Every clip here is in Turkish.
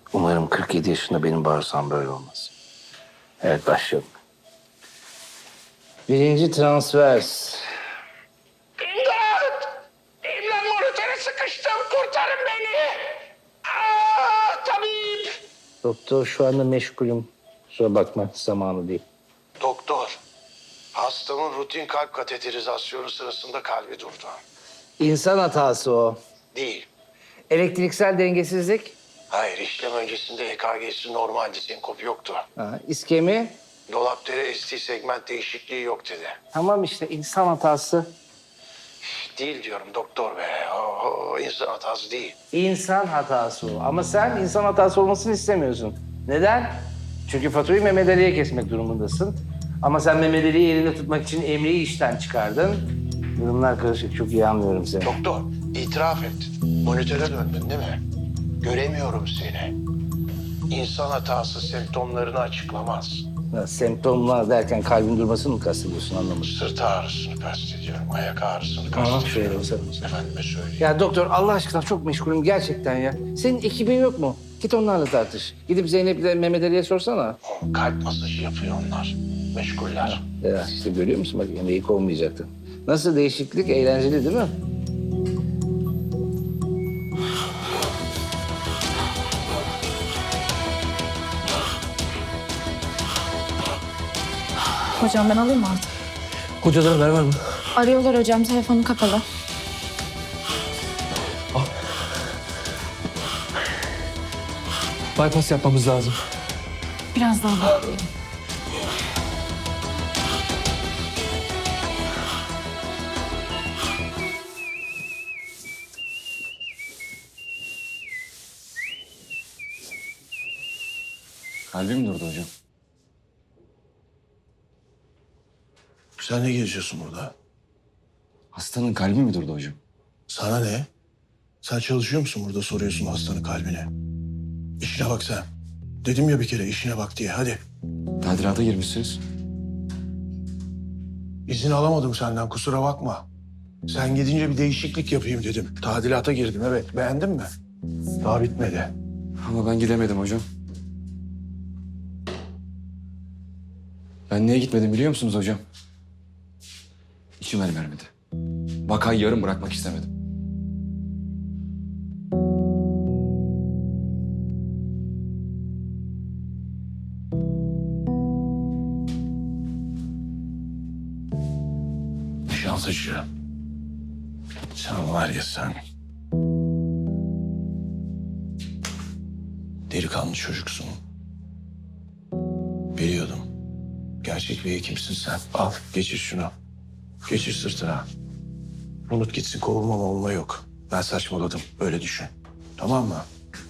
Umarım 47 yaşında benim bağırsam böyle olmaz. Evet, başlayalım. Birinci transvers. İmdat! İmdat, monitöre sıkıştım. Kurtarın beni. Tabip. Doktor şu anda meşgulüm. Kusura bakma, zamanı değil. Doktor, hastamın rutin kalp kateterizasyonu sırasında kalbi durdu. İnsan hatası o. Değil. Elektriksel dengesizlik. Hayır, işlem öncesinde EKG'si normaldi, senkop yoktu. İskemi. Dolapdere ST segment değişikliği yok dedi. Tamam işte, insan hatası. Değil diyorum doktor be. İnsan hatası değil. İnsan hatası o. Ama sen insan hatası olmasını istemiyorsun. Neden? Çünkü faturayı Mehmet Ali'ye kesmek durumundasın. Ama sen Mehmet Ali'yi elinde tutmak için Emre'yi işten çıkardın. Durumlar karışık, çok iyi anlıyorum seni. Doktor, itiraf et. Monitöre döndün değil mi? Göremiyorum seni. İnsan hatası semptomlarını açıklamaz. Ya, semptomlar derken kalbin durmasını mı kastediyorsun, anlamadım. Sırt ağrısını kastediyorum, ayak ağrısını Tamam, kastediyorum. şöyle olsa. Efendime söyleyeyim. Ya doktor, Allah aşkına çok meşgulüm gerçekten ya. Senin ekibin yok mu? Git onlarla tartış. Gidip Zeynep'le Mehmet Ali'ye sorsana. Kalp masajı yapıyor onlar. Meşguller. Ya işte görüyor musun, bak Emre'yi kovmayacaktın. Nasıl değişiklik, eğlenceli değil mi? Hocam ben alayım mı artık? Hocadan haber var mı? Arıyorlar hocam, telefonu kapalı. Bypass yapmamız lazım. Biraz daha bekleyelim. Kalbim durdu hocam. Sen ne geziyorsun burada? Hastanın kalbi mi durdu hocam? Sana ne? Sen çalışıyor musun burada, soruyorsun hastanın kalbine? İşine bak sen. Dedim ya bir kere işine bak diye, hadi. Tadilata girmişsiniz. İzin alamadım senden, kusura bakma. Sen gidince bir değişiklik yapayım dedim. Tadilata girdim, evet. Beğendin mi? Daha bitmedi. Ama ben gidemedim hocam. Ben niye gitmedim biliyor musunuz hocam? İçim el vermedi. Vakayı yarım bırakmak istemedim. Nişantaşı. Sen var ya sen. Delikanlı çocuksun. Biliyordum. Gerçek bir hekimsin sen. Al, geçir şunu. Geçir sırtına. Unut gitsin, kovulma olma yok. Ben saçmaladım, öyle düşün. Tamam mı?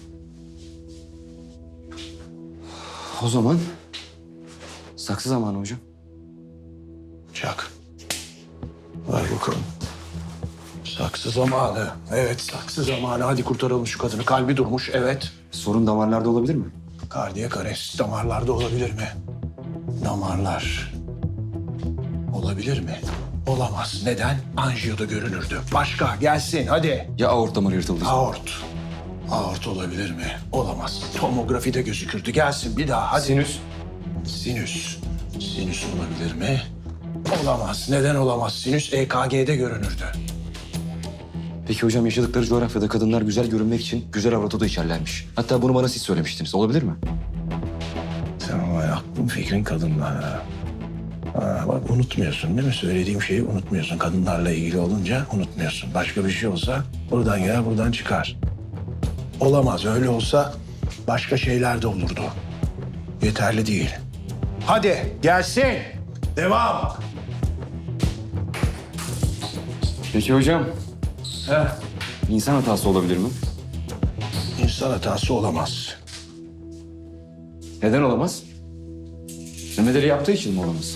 O zaman saksı zamanı hocam. Çak. Ver bakalım. Saksı zamanı. Evet, saksı zamanı. Hadi kurtaralım şu kadını. Kalbi durmuş, evet. Sorun damarlarda olabilir mi? Kardiyak arrest damarlarda olabilir mi? Damarlar. Olabilir mi? Olamaz. Neden? Anjiyoda görünürdü. Başka, gelsin hadi. Ya aort damarı yırtıldı? Aort. Aort olabilir mi? Olamaz. Tomografide gözükürdü. Gelsin bir daha, hadi. Sinüs? Sinüs. Sinüs olabilir mi? Olamaz. Neden olamaz? Sinüs EKG'de görünürdü. Peki hocam, yaşadıkları coğrafyada kadınlar güzel görünmek için güzel avrat da içerlermiş. Hatta bunu bana siz söylemiştiniz. Olabilir mi? Sen ama aklın fikrin kadınlar ha. Bak unutmuyorsun değil mi? Söylediğim şeyi unutmuyorsun. Kadınlarla ilgili olunca unutmuyorsun. Başka bir şey olsa buradan girer buradan çıkar. Olamaz. Öyle olsa başka şeyler de olurdu. Yeterli değil. Hadi gelsin. Devam. Peki hocam, Heh. insan hatası olabilir mi? İnsan hatası olamaz. Neden olamaz? Mehmet Ali yaptığı için mi olamaz?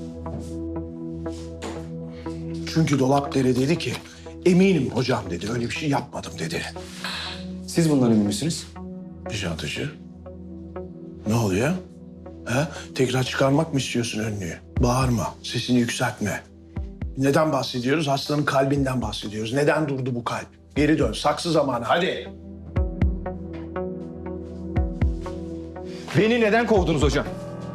Çünkü Dolapdere dedi ki eminim hocam dedi. Öyle bir şey yapmadım dedi. Siz bundan emin misiniz? Nişantaşı. Ne oluyor? Ha? Tekrar çıkarmak mı istiyorsun önlüğü? Bağırma, sesini yükseltme. Neden bahsediyoruz? Hastanın kalbinden bahsediyoruz. Neden durdu bu kalp? Geri dön, saksı zamanı, hadi. Beni neden kovdunuz hocam?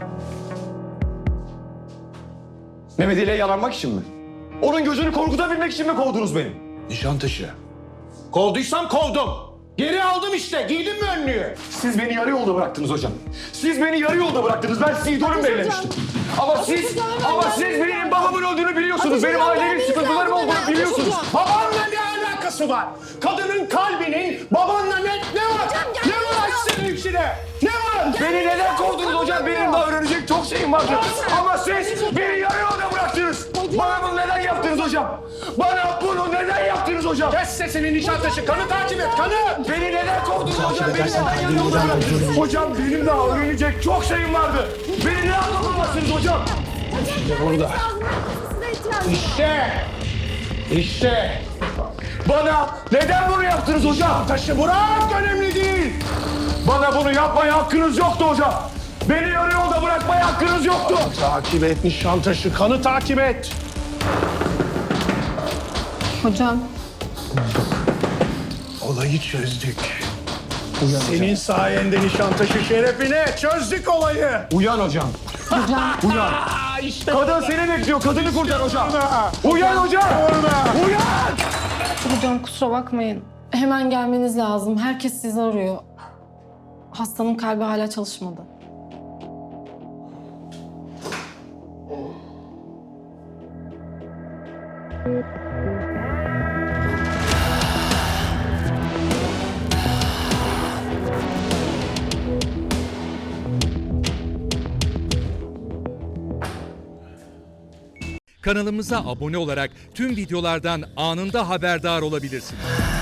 Mehmet ile yalanmak için mi? Onun gözünü korkutabilmek için mi kovdunuz beni? Nişantaşı. Kovduysam kovdum. Geri aldım işte. Giydim mi önlüğü? Siz beni yarı yolda bıraktınız hocam. Siz beni yarı yolda bıraktınız. Ben sizi idolüm belirlemiştim. Ama siz benim babamın öldüğünü biliyorsunuz. Benim ailemin sıkıntılarım olduğunu biliyorsunuz. Babanla ne alakası var? Kadının kalbinin babanla ne var? Ne var senin içine? Ne var? Beni neden kovdunuz hocam? Benim daha öğrenecek çok şeyim vardı. Ama siz beni yarı yolda bıraktınız. Bana bunu neden yaptınız hocam? Bana bunu neden yaptınız hocam? Kes sesini Nişantaşı. Kanı takip et. Kanı. Beni neden kovdunuz hocam? Beni neden yarı yolda bıraktınız? Hocam benim daha öğrenecek çok şeyim vardı. Beni ne anlamamazsınız hocam? Burada. İşte. Bana neden bunu yaptınız hocam? Taşı bırak, önemli değil. Bana bunu yapmaya hakkınız yoktu hocam. Beni yarı yolda bırakmaya hakkınız yoktu. Takip et Nişantaşı. Kanı takip et. Hocam. Olayı çözdük. Senin sayende Nişantaşı şerefine çözdük olayı. Uyan hocam. Uyan. İşte Kadın seni bekliyor. Kadını kurtar hocam. Uyan hocam. Uyan. Hocam kusura bakmayın. Hemen gelmeniz lazım. Herkes sizi arıyor. Hastanın kalbi hala çalışmadı. Kanalımıza abone olarak tüm videolardan anında haberdar olabilirsiniz.